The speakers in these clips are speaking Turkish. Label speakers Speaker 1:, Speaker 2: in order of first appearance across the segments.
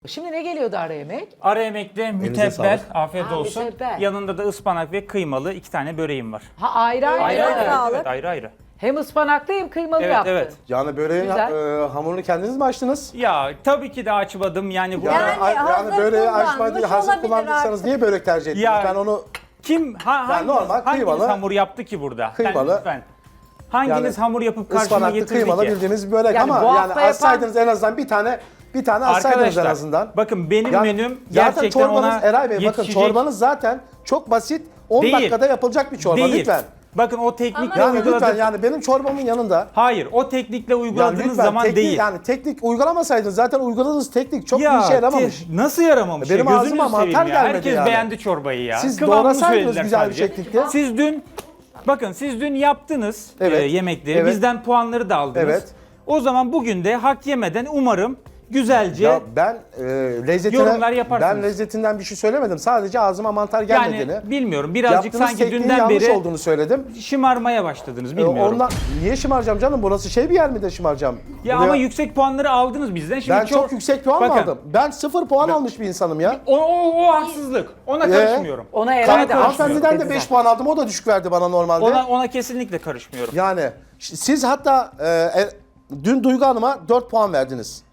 Speaker 1: Şimdi ne geliyordu ara yemek?
Speaker 2: Ara yemekte mütebbel,
Speaker 3: sağlık.
Speaker 2: afiyet olsun.
Speaker 1: mütebbel.
Speaker 2: Yanında da ıspanak ve kıymalı 2 tane böreğim var.
Speaker 1: Ha ayrı ayrı.
Speaker 2: Ayrı ayrı,
Speaker 4: sağlık.
Speaker 2: evet, ayrı ayrı.
Speaker 1: Hem ıspanaklı hem kıymalı
Speaker 2: Evet,
Speaker 1: yaptın.
Speaker 2: evet.
Speaker 3: Yani böreğin
Speaker 1: Güzel.
Speaker 3: hamurunu kendiniz mi açtınız?
Speaker 2: Ya tabii ki de açmadım yani burada.
Speaker 4: Yani hazır
Speaker 3: böreği
Speaker 4: kullanmış
Speaker 3: açmayı hazır
Speaker 4: olabilir
Speaker 3: kullandıysanız
Speaker 4: artık.
Speaker 3: niye börek tercih ettiniz?
Speaker 2: Ya,
Speaker 3: Ben onu
Speaker 2: Kim, hanginiz,
Speaker 3: normal
Speaker 2: hanginiz
Speaker 3: kıymalı-
Speaker 2: hamur yaptı ki burada?
Speaker 3: Kıymalı-
Speaker 2: Lütfen. Hanginiz
Speaker 3: Yani
Speaker 2: hamur yapıp karşıma
Speaker 3: ıspanaklı
Speaker 2: getirdi
Speaker 3: kıymalı
Speaker 2: ki?
Speaker 3: bildiğimiz börek
Speaker 1: Yani bu
Speaker 3: ama
Speaker 1: hafta
Speaker 3: yani açsaydınız en azından bir tane açsaydınız en
Speaker 2: Arkadaşlar
Speaker 3: azından.
Speaker 2: bakın benim
Speaker 3: Yani
Speaker 2: menüm
Speaker 3: zaten
Speaker 2: gerçekten
Speaker 3: çorbanız
Speaker 2: ona
Speaker 3: Eray Bey bakın
Speaker 2: yetişecek
Speaker 3: çorbanız zaten çok basit 10
Speaker 2: Değil.
Speaker 3: dakikada yapılacak bir çorba
Speaker 2: değil.
Speaker 3: lütfen.
Speaker 2: Bakın o teknikle
Speaker 3: Yani
Speaker 2: uyguladık.
Speaker 3: lütfen yani benim çorbamın yanında
Speaker 2: Hayır, o teknikle uyguladığınız
Speaker 3: lütfen
Speaker 2: zaman
Speaker 3: teknik,
Speaker 2: değil.
Speaker 3: yani teknik uygulamasaydınız zaten uyguladığınız teknik çok
Speaker 2: Ya,
Speaker 3: bir işe yaramamış.
Speaker 2: nasıl yaramamış?
Speaker 3: Benim
Speaker 2: ya?
Speaker 3: ağzıma
Speaker 2: Gözünüzü seveyim
Speaker 3: mantar
Speaker 2: ya.
Speaker 3: gelmedi
Speaker 2: Herkes
Speaker 3: yani.
Speaker 2: beğendi çorbayı ya.
Speaker 3: Siz
Speaker 2: Kıvamını
Speaker 3: doğrasaydınız
Speaker 2: söylediler
Speaker 3: güzel bir
Speaker 2: sadece.
Speaker 3: şekilde.
Speaker 2: Siz dün yaptınız
Speaker 3: Evet.
Speaker 2: yemekleri.
Speaker 3: Evet.
Speaker 2: Bizden puanları da aldınız.
Speaker 3: Evet.
Speaker 2: O zaman bugün de hak yemeden umarım güzelce
Speaker 3: Ya ben
Speaker 2: yorumlar yaparsınız.
Speaker 3: ben lezzetinden bir şey söylemedim. Sadece ağzıma mantar gelmediğini.
Speaker 2: yani bilmiyorum birazcık
Speaker 3: yaptığınız
Speaker 2: sanki
Speaker 3: tekniğin
Speaker 2: dünden
Speaker 3: yanlış
Speaker 2: beri
Speaker 3: olduğunu söyledim.
Speaker 2: şımarmaya başladınız bilmiyorum.
Speaker 3: Ondan niye şımaracağım canım? Burası şey bir yer mi de şımaracağım?
Speaker 2: Ya
Speaker 3: Buraya-
Speaker 2: ama yüksek puanları aldınız bizden. Şimdi
Speaker 3: ben çok yüksek puan mı
Speaker 2: Bakın,
Speaker 3: aldım? Ben 0 puan almış bir insanım ya.
Speaker 2: O haksızlık. Ona karışmıyorum.
Speaker 1: Ona Eray
Speaker 3: Kanka
Speaker 1: da
Speaker 3: hanımefendiden de
Speaker 1: dedi
Speaker 3: 5 puan aldım. O da düşük verdi bana normalde.
Speaker 2: Ona kesinlikle karışmıyorum.
Speaker 3: Yani siz hatta dün Duygu Hanım'a 4 puan verdiniz.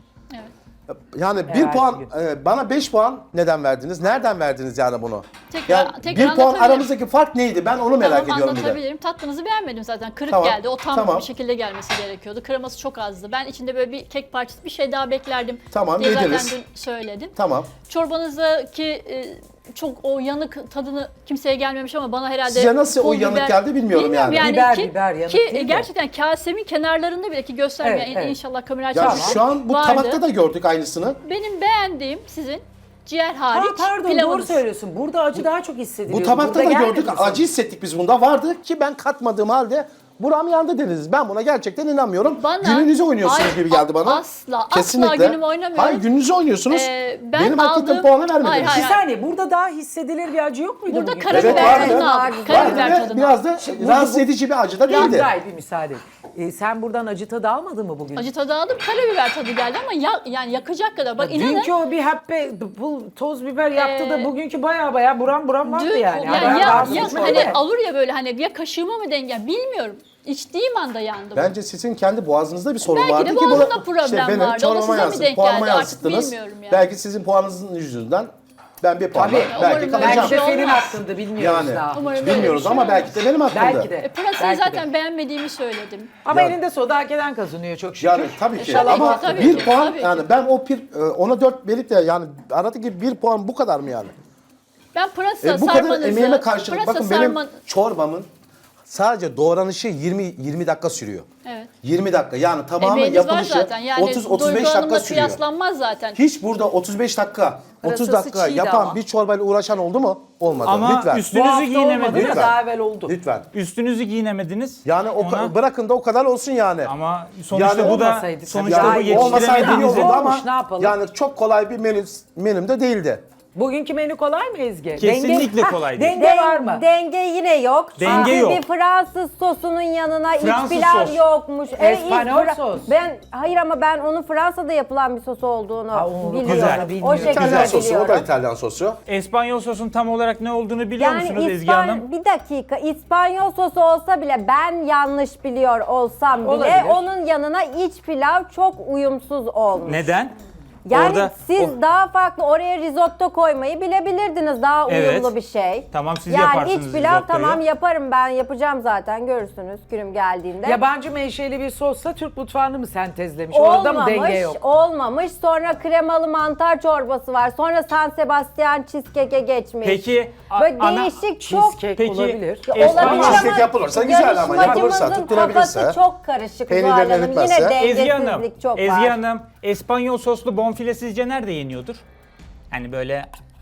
Speaker 3: Yani bir
Speaker 1: Evet.
Speaker 3: puan, bana 5 puan neden verdiniz? Nereden verdiniz yani bunu? Yani
Speaker 4: Tekrar
Speaker 3: bir puan
Speaker 4: anlatabilirim.
Speaker 3: aramızdaki fark neydi? Ben onu merak
Speaker 4: Tamam,
Speaker 3: ediyorum bir de.
Speaker 4: anlatabilirim. Tatlınızı beğenmedim zaten. Kırık
Speaker 3: Tamam,
Speaker 4: geldi. O tam
Speaker 3: tamam.
Speaker 4: bir şekilde gelmesi gerekiyordu. Kreması çok azdı. Ben içinde böyle bir kek parçası bir şey daha beklerdim.
Speaker 3: Tamam,
Speaker 4: diye
Speaker 3: yediniz.
Speaker 4: zaten dün söyledim.
Speaker 3: Tamam.
Speaker 4: Çorbanızdaki çok o yanık tadını kimseye gelmemiş ama bana herhalde
Speaker 3: Size nasıl o
Speaker 4: pul
Speaker 3: yanık
Speaker 4: biber-
Speaker 3: geldi bilmiyorum yani.
Speaker 1: Biber yanık
Speaker 4: ki
Speaker 1: değil de.
Speaker 4: gerçekten kasemin kenarlarında bile ki göstermiyor.
Speaker 1: Evet, evet.
Speaker 4: İnşallah kamera
Speaker 3: Ya
Speaker 4: açar.
Speaker 3: şu an bu
Speaker 4: Vardı.
Speaker 3: tabakta da gördük aynısını.
Speaker 4: Benim beğendiğim sizin ciğer hariç
Speaker 1: Pardon doğru
Speaker 4: pilavınız.
Speaker 1: söylüyorsun. Burada acı daha çok hissediliyor.
Speaker 3: Bu tabakta
Speaker 1: Burada
Speaker 3: da
Speaker 1: gelmedi
Speaker 3: gördük.
Speaker 1: mi sana?
Speaker 3: Acı hissettik biz bunda. Vardı ki ben katmadığım halde buram yandı dediniz. Ben buna gerçekten inanmıyorum.
Speaker 4: Bana-
Speaker 3: Gününüzü oynuyorsunuz
Speaker 4: Hayır,
Speaker 3: gibi geldi bana.
Speaker 4: asla günümü oynamıyorum.
Speaker 3: Hayır gününüzü oynuyorsunuz.
Speaker 4: Ben
Speaker 3: Benim hak ettiğim
Speaker 4: aldığım-
Speaker 3: puanı vermediniz.
Speaker 4: Hayır,
Speaker 1: Bir
Speaker 4: hayır.
Speaker 1: saniye burada daha hissedilir bir acı yok muydu?
Speaker 4: Burada
Speaker 1: bugün?
Speaker 4: karabiber
Speaker 3: Evet, vardı.
Speaker 4: tadını aldım.
Speaker 3: Vardı
Speaker 4: Karabiber
Speaker 3: ve
Speaker 4: tadını
Speaker 3: biraz da
Speaker 4: aldım.
Speaker 3: rahatsız edici bir acı da değildi.
Speaker 1: Gayet bir müsaade. Sen buradan acı tadı almadın mı bugün?
Speaker 4: Acı tadı aldım. Karabiber tadı geldi ama yani yakacak kadar. Bak inanın.
Speaker 1: Dünkü o bir happe toz biber yaptı da bugünkü baya buram vardı
Speaker 4: Dün,
Speaker 1: yani.
Speaker 4: yani
Speaker 1: Ben
Speaker 4: ya
Speaker 1: rahatsız
Speaker 4: hani
Speaker 1: oldum.
Speaker 4: alır ya böyle hani ya kaşığıma mı denk bilmiyorum. İçtiğim anda yandım.
Speaker 3: Bence sizin kendi boğazınızda bir sorun
Speaker 4: Belki
Speaker 3: vardı
Speaker 4: de
Speaker 3: ki
Speaker 4: boğazımda problem
Speaker 3: benim
Speaker 4: vardı. O da
Speaker 3: çorbama
Speaker 4: size mi
Speaker 3: yansıttı,
Speaker 4: denk
Speaker 3: puanıma
Speaker 4: geldi? Artık
Speaker 3: yansıttınız.
Speaker 4: bilmiyorum yani.
Speaker 3: Belki sizin puanınızın yüzünden ben bir puan
Speaker 1: Tabii.
Speaker 3: belki
Speaker 4: Umarım öyle
Speaker 3: kalacağım.
Speaker 1: Belki de
Speaker 4: Olmaz.
Speaker 1: senin hakkında bilmiyoruz
Speaker 3: Yani
Speaker 1: daha.
Speaker 4: Umarım öyle
Speaker 3: bilmiyoruz
Speaker 4: bir şey
Speaker 3: ama
Speaker 4: olmaz.
Speaker 3: belki de benim hakkımda.
Speaker 1: Belki de.
Speaker 4: Pırasayı
Speaker 1: Belki de.
Speaker 4: zaten beğenmediğimi söyledim.
Speaker 1: Ama
Speaker 3: Ya-
Speaker 1: elinde soda hak eden kazanıyor çok şükür.
Speaker 3: Yani tabii ki
Speaker 4: Tabii
Speaker 3: ama
Speaker 4: ki, tabii
Speaker 3: bir
Speaker 4: ki,
Speaker 3: puan
Speaker 4: tabii ki.
Speaker 3: yani ben ona 4 verip de yani aradaki bir puan bu kadar mı yani?
Speaker 4: Ben pırasa
Speaker 3: Bu kadar
Speaker 4: sarmanızı,
Speaker 3: emeğime karşılık
Speaker 4: pırasa
Speaker 3: bakın benim
Speaker 4: sarman...
Speaker 3: çorbamın sadece doğranışı 20 dakika sürüyor.
Speaker 4: Evet.
Speaker 3: 20 dakika yani tamamı
Speaker 4: Emeğiniz var
Speaker 3: yapılışı
Speaker 4: zaten. Yani
Speaker 3: 30-35
Speaker 4: Duygu
Speaker 3: dakika
Speaker 4: Hanım'la
Speaker 3: sürüyor.
Speaker 4: kıyaslanmaz zaten.
Speaker 3: Hiç burada 35 dakika, 30
Speaker 1: Pırasası
Speaker 3: dakika
Speaker 1: çiğdi
Speaker 3: yapan
Speaker 1: ama.
Speaker 3: bir çorbayla uğraşan oldu mu? Olmadı.
Speaker 2: Ama
Speaker 3: Lütfen.
Speaker 1: Bu
Speaker 2: üstünüzü
Speaker 1: hafta olmadı
Speaker 2: giyinemediniz.
Speaker 1: da daha evvel oldu.
Speaker 3: Lütfen.
Speaker 2: Üstünüzü giyinemediniz.
Speaker 3: Yani bırakın da o kadar olsun yani.
Speaker 2: Ama sonuçta
Speaker 3: Yani
Speaker 2: bu da
Speaker 1: olmasaydı tabii.
Speaker 2: sonuçta
Speaker 1: Ya
Speaker 2: bu
Speaker 3: olmasaydı iyi olurdu
Speaker 2: yetiştiremediğinizin
Speaker 3: ama
Speaker 1: Olmuş, ne yapalım?
Speaker 3: yani çok kolay bir menüm de değildi.
Speaker 1: Bugünkü menü kolay mı Ezgi?
Speaker 2: Kesinlikle kolay değil.
Speaker 1: Denge var mı?
Speaker 5: Denge yine yok.
Speaker 2: Denge
Speaker 5: Çünkü
Speaker 2: yok.
Speaker 5: bir Fransız sosunun yanına
Speaker 2: Fransız
Speaker 5: iç pilav
Speaker 2: sos.
Speaker 5: yokmuş.
Speaker 1: Espanol sos.
Speaker 5: Hayır ama ben onun Fransa'da yapılan bir sos olduğunu
Speaker 1: Ha, onu
Speaker 5: biliyorum.
Speaker 2: güzel.
Speaker 5: O
Speaker 1: Bilmiyorum.
Speaker 5: şekilde
Speaker 3: İtalyan sosu, o
Speaker 5: biliyorum.
Speaker 3: da İtalyan sosu.
Speaker 2: İspanyol sosun tam olarak ne olduğunu biliyor musunuz Ezgi Hanım?
Speaker 5: Bir dakika, İspanyol sosu olsa bile ben yanlış biliyor olsam bile
Speaker 1: Olabilir.
Speaker 5: onun yanına iç pilav çok uyumsuz olmuş.
Speaker 2: Neden?
Speaker 5: Yani
Speaker 2: Orada-
Speaker 5: siz daha farklı oraya risotto koymayı bilebilirdiniz. Daha
Speaker 2: Evet.
Speaker 5: uyumlu bir şey.
Speaker 2: Tamam, siz
Speaker 5: yani
Speaker 2: yaparsınız
Speaker 5: iç pilav
Speaker 2: risottoyu.
Speaker 5: tamam yaparım ben yapacağım zaten görürsünüz günüm geldiğinde.
Speaker 1: Yabancı menşeli bir sosla Türk mutfağını mı sentezlemiş? Orada mı denge yok?
Speaker 5: Olmamış. Sonra kremalı mantar çorbası var. Sonra San Sebastian cheesecake'e geçmiş.
Speaker 2: Peki
Speaker 5: Böyle
Speaker 2: ana
Speaker 5: değişik çok
Speaker 1: Cheesecake
Speaker 2: Peki,
Speaker 1: olabilir.
Speaker 5: Ya
Speaker 2: Espanol
Speaker 5: olabilir
Speaker 3: cheesecake
Speaker 5: ama
Speaker 3: yapılırsa güzel ama yapılırsa,
Speaker 5: yarışmacımızın
Speaker 3: tutturabilirse,
Speaker 5: kafası çok karışık
Speaker 3: peynirlerini
Speaker 5: Zuhal Hanım.
Speaker 3: eritmezse.
Speaker 5: Yine
Speaker 2: Ezgi Hanım,
Speaker 5: dengesizlik çok
Speaker 2: Ezgi
Speaker 5: var.
Speaker 2: Hanım, İspanyol soslu bonfile sizce nerede yeniyordur? Hani böyle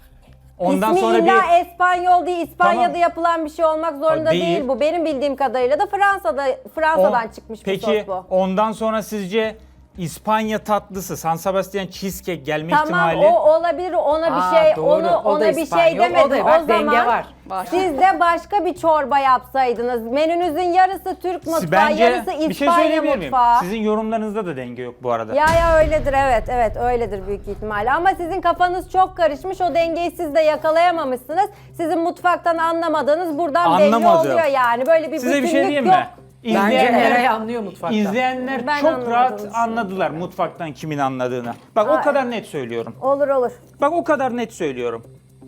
Speaker 2: ondan
Speaker 5: İsmi
Speaker 2: sonra
Speaker 5: illa
Speaker 2: bir
Speaker 5: İspanyol değil, İspanya'da
Speaker 2: Tamam.
Speaker 5: yapılan bir şey olmak zorunda
Speaker 2: Değil.
Speaker 5: değil bu. Benim bildiğim kadarıyla da Fransa'dan çıkmış bir
Speaker 2: Peki
Speaker 5: sos bu.
Speaker 2: ondan sonra sizce İspanya tatlısı, San Sebastian cheesecake gelme
Speaker 5: Tamam
Speaker 2: ihtimali.
Speaker 5: o olabilir ona bir şey
Speaker 1: doğru.
Speaker 5: onu
Speaker 1: O da
Speaker 5: ona bir
Speaker 1: İspanyol,
Speaker 5: şey demedim.
Speaker 1: o da
Speaker 5: O,
Speaker 1: bak, denge
Speaker 5: zaman
Speaker 1: var.
Speaker 5: siz de başka bir çorba yapsaydınız. Menünüzün yarısı Türk mutfağı,
Speaker 2: Bence
Speaker 5: yarısı
Speaker 2: bir şey
Speaker 5: İspanya
Speaker 2: söyleyebilir miyim?
Speaker 5: mutfağı.
Speaker 2: Sizin yorumlarınızda da denge yok bu arada.
Speaker 5: Ya öyledir evet öyledir büyük ihtimalle ama sizin kafanız çok karışmış o dengeyi siz de yakalayamamışsınız. Sizin mutfaktan anlamadığınız buradan belli
Speaker 2: Anlamadım.
Speaker 5: oluyor yani böyle bir
Speaker 2: Size bir
Speaker 5: bütünlük
Speaker 2: şey diyeyim
Speaker 5: yok.
Speaker 2: mi?
Speaker 1: Bence Eray anlıyor mutfakta.
Speaker 2: İzleyenler
Speaker 5: Ben
Speaker 2: çok
Speaker 5: anlamadığını
Speaker 2: rahat
Speaker 5: düşünüyorum.
Speaker 2: anladılar mutfaktan kimin anladığını. Bak o
Speaker 5: Hayır.
Speaker 2: kadar net söylüyorum.
Speaker 5: Olur.
Speaker 2: Bak o kadar net söylüyorum.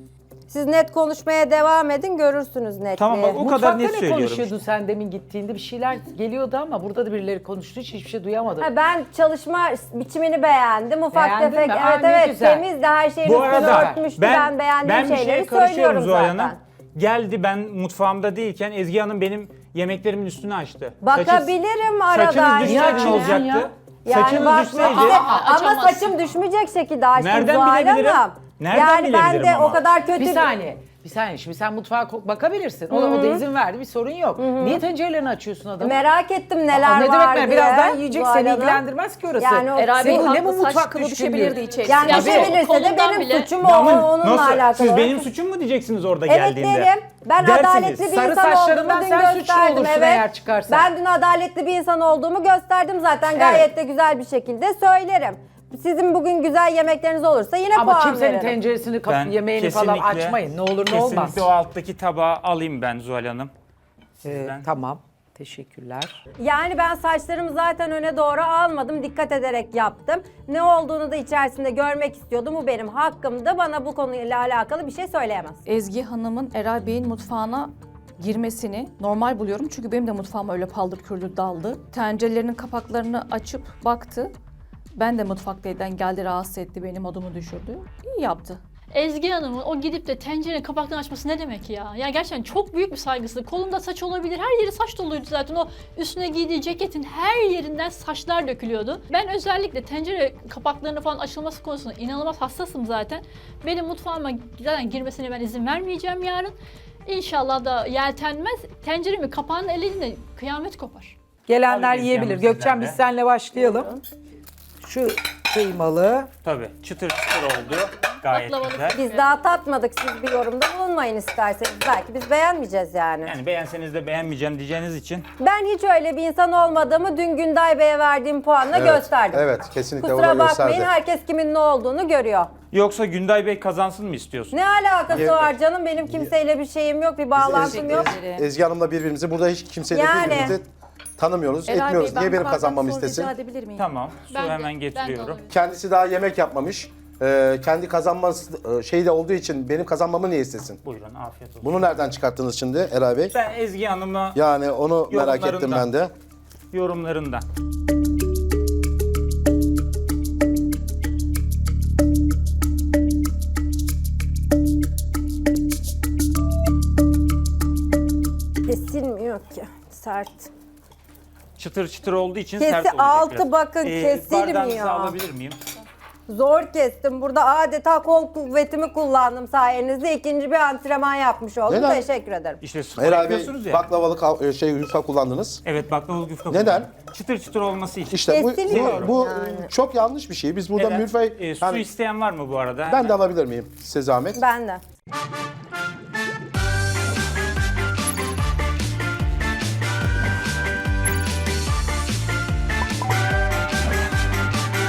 Speaker 5: Siz net konuşmaya devam edin görürsünüz netliği.
Speaker 2: Tamam bak o
Speaker 1: Mutfakta
Speaker 2: kadar net
Speaker 1: ne
Speaker 2: söylüyorum.
Speaker 1: konuşuyordun sen demin gittiğinde? Bir şeyler geliyordu ama burada da birileri konuştu. Hiçbir şey duyamadım.
Speaker 5: Ha, ben çalışma biçimini beğendim. Ufak
Speaker 1: Beğendin
Speaker 5: tefek
Speaker 1: mi? Aa,
Speaker 5: evet
Speaker 1: ne
Speaker 5: evet
Speaker 1: güzel.
Speaker 5: temizdi her şeyin
Speaker 2: Bu
Speaker 5: üstünü
Speaker 2: arada
Speaker 5: örtmüştü. Ben beğendiğim
Speaker 2: bir şeye
Speaker 5: şeyleri
Speaker 2: karışıyorum
Speaker 5: söylüyorum
Speaker 2: Zuhal
Speaker 5: zaten.
Speaker 2: Hanım. Geldi ben mutfağımda değilken Ezgi Hanım benim yemeklerimin üstünü açtı.
Speaker 5: Bakabilirim aradan.
Speaker 2: Saçınız düşseydi
Speaker 1: Ya.
Speaker 2: ne olacaktı?
Speaker 5: Yani
Speaker 2: Saçınız
Speaker 5: bak,
Speaker 2: düşseydi.
Speaker 5: ama
Speaker 4: Açamazsın.
Speaker 5: saçım düşmeyecek şekilde açtım
Speaker 2: Nereden
Speaker 5: Zuhal
Speaker 2: bilebilirim?
Speaker 5: Hanım.
Speaker 2: Nereden
Speaker 5: yani ben
Speaker 2: bilebilirim
Speaker 5: de
Speaker 2: ama?
Speaker 5: o kadar kötü
Speaker 1: Bir saniye. Şimdi sen mutfağa bakabilirsin. O da izin verdi. Bir sorun yok. Niye tencerelerini açıyorsun adamı?
Speaker 5: merak ettim neler
Speaker 1: Aa, ne
Speaker 5: var
Speaker 1: demek
Speaker 5: diye.
Speaker 1: Birazdan yiyecek.
Speaker 5: Zuhal
Speaker 1: Seni
Speaker 5: Hanım.
Speaker 1: ilgilendirmez ki orası.
Speaker 5: Yani o-
Speaker 6: Eray Bey
Speaker 1: Senin ne bu
Speaker 6: haklı, saç
Speaker 1: mutfak
Speaker 6: kılı
Speaker 1: düşkünlüğü?
Speaker 6: düşebilirdi içerisinde.
Speaker 5: Yani
Speaker 2: Tabii.
Speaker 5: düşebilirse de
Speaker 4: Kolundan
Speaker 5: benim
Speaker 4: bile-
Speaker 5: suçum
Speaker 2: Ya ama
Speaker 5: onunla
Speaker 2: nasıl?
Speaker 5: alakalı.
Speaker 2: Siz benim suçum mu diyeceksiniz orada
Speaker 5: Evet
Speaker 2: geldiğinde?
Speaker 5: derim. Ben
Speaker 2: Dersiniz.
Speaker 5: adaletli bir
Speaker 1: Sarı
Speaker 5: insan
Speaker 1: saçlarından
Speaker 5: olduğumu dün
Speaker 1: sen suçlu
Speaker 5: gösterdim.
Speaker 1: olursun
Speaker 5: Evet.
Speaker 1: eğer çıkarsan.
Speaker 5: Ben dün adaletli bir insan olduğumu gösterdim zaten. Gayet de güzel bir şekilde söylerim. Sizin bugün güzel yemekleriniz olursa yine
Speaker 1: Ama
Speaker 5: puan
Speaker 1: kimsenin
Speaker 5: veririm.
Speaker 1: tenceresini,
Speaker 2: Ben
Speaker 1: yemeğini falan
Speaker 2: kesinlikle-
Speaker 1: açmayın. Ne olur ne olmaz.
Speaker 2: Kesinlikle o alttaki tabağı alayım ben Zuhal Hanım. Sizden.
Speaker 1: Tamam. Teşekkürler.
Speaker 5: Yani ben saçlarımı zaten öne doğru almadım. Dikkat ederek yaptım. Ne olduğunu da içerisinde görmek istiyordum. Bu benim hakkımdı. Bana bu konuyla alakalı bir şey söyleyemez.
Speaker 6: Ezgi Hanım'ın Eray Bey'in mutfağına girmesini normal buluyorum. Çünkü benim de mutfağıma öyle paldır küldür daldı. Tencerelerinin kapaklarını açıp baktı. Ben de mutfaktayken geldi rahatsız etti, beni modumu düşürdü. İyi yaptı.
Speaker 4: Ezgi Hanım'ın o gidip de tencerenin kapaklarını açması ne demek ya? Ya gerçekten çok büyük bir saygısızlık. Kolunda saç olabilir. Her yeri saç doluydu zaten. O üstüne giydiği ceketin her yerinden saçlar dökülüyordu. Ben özellikle tencere kapaklarının falan açılması konusunda inanılmaz hassasım zaten. Benim mutfağıma zaten girmesine ben izin vermeyeceğim yarın. İnşallah da yeltenmez. Tenceremin kapağını elinde kıyamet kopar.
Speaker 1: Gelenler
Speaker 2: Alayım
Speaker 1: yiyebilir.
Speaker 2: yalnız
Speaker 1: Gökçen
Speaker 2: sizden
Speaker 1: biz
Speaker 2: de.
Speaker 1: seninle başlayalım. Şu kıymalı.
Speaker 2: Tabii çıtır çıtır oldu. Gayet
Speaker 4: Baklavalı
Speaker 2: güzel.
Speaker 5: Biz daha tatmadık. Siz bir yorumda bulunmayın isterseniz. Belki biz beğenmeyeceğiz yani.
Speaker 2: Yani beğenseniz de beğenmeyeceğim diyeceğiniz için.
Speaker 5: Ben hiç öyle bir insan olmadığımı dün Günday Bey'e verdiğim puanla gösterdim.
Speaker 3: Evet, kesinlikle
Speaker 5: Kusura
Speaker 3: ona
Speaker 5: bakmayın
Speaker 3: gösterdi.
Speaker 5: herkes kimin ne olduğunu görüyor.
Speaker 2: Yoksa Günday Bey kazansın mı istiyorsun?
Speaker 5: Ne alakası
Speaker 3: Ye-
Speaker 5: var canım? Benim kimseyle bir şeyim yok, bir bağlantım yok.
Speaker 3: Ezgi Hanım'la birbirimizi burada hiç kimseyle
Speaker 5: Yani.
Speaker 3: birbirimizi tanımıyoruz,
Speaker 6: Eray
Speaker 3: etmiyoruz.
Speaker 6: Bey,
Speaker 3: Niye benim
Speaker 6: ben
Speaker 3: kazanmamı
Speaker 6: bardak su
Speaker 3: istesin?
Speaker 6: rica edebilir miyim?
Speaker 2: Tamam. Su
Speaker 4: Ben de-
Speaker 2: hemen
Speaker 4: ben de
Speaker 2: getiriyorum.
Speaker 4: olabilirim.
Speaker 3: Kendisi daha yemek yapmamış. Kendi kazanması şeyi de olduğu için benim kazanmamı niye istesin?
Speaker 2: Buyurun afiyet olsun.
Speaker 3: Bunu nereden çıkarttınız şimdi Eray Bey?
Speaker 2: Ben Ezgi Hanım'a
Speaker 3: Yani onu merak ettim
Speaker 2: Yorumlarından.
Speaker 3: ben de.
Speaker 2: yorumlarından.
Speaker 5: Kesilmiyor ki. Sert.
Speaker 2: Çıtır çıtır olduğu için
Speaker 5: Kesi
Speaker 2: sert olacak
Speaker 5: altı
Speaker 2: biraz.
Speaker 5: bakın, kesilmiyor.
Speaker 2: Bardağınızı alabilir miyim?
Speaker 5: Zor kestim. Burada adeta kol kuvvetimi kullandım sayenizde. İkinci bir antrenman yapmış oldum.
Speaker 3: Neden?
Speaker 5: Teşekkür ederim.
Speaker 2: İşte spor
Speaker 3: Eray Bey
Speaker 2: yapıyorsunuz ya.
Speaker 3: baklavalık yufka kullandınız.
Speaker 2: Evet baklavalı güfte
Speaker 3: Neden?
Speaker 2: kullanıyorum. Çıtır çıtır olması için.
Speaker 3: İşte
Speaker 5: Kesiliyor
Speaker 3: bu
Speaker 5: yani.
Speaker 3: çok yanlış bir şey. Biz burada
Speaker 2: Evet.
Speaker 3: milföy...
Speaker 2: Su isteyen var mı bu arada?
Speaker 3: ben de alabilir miyim size zahmet?
Speaker 5: Ben de.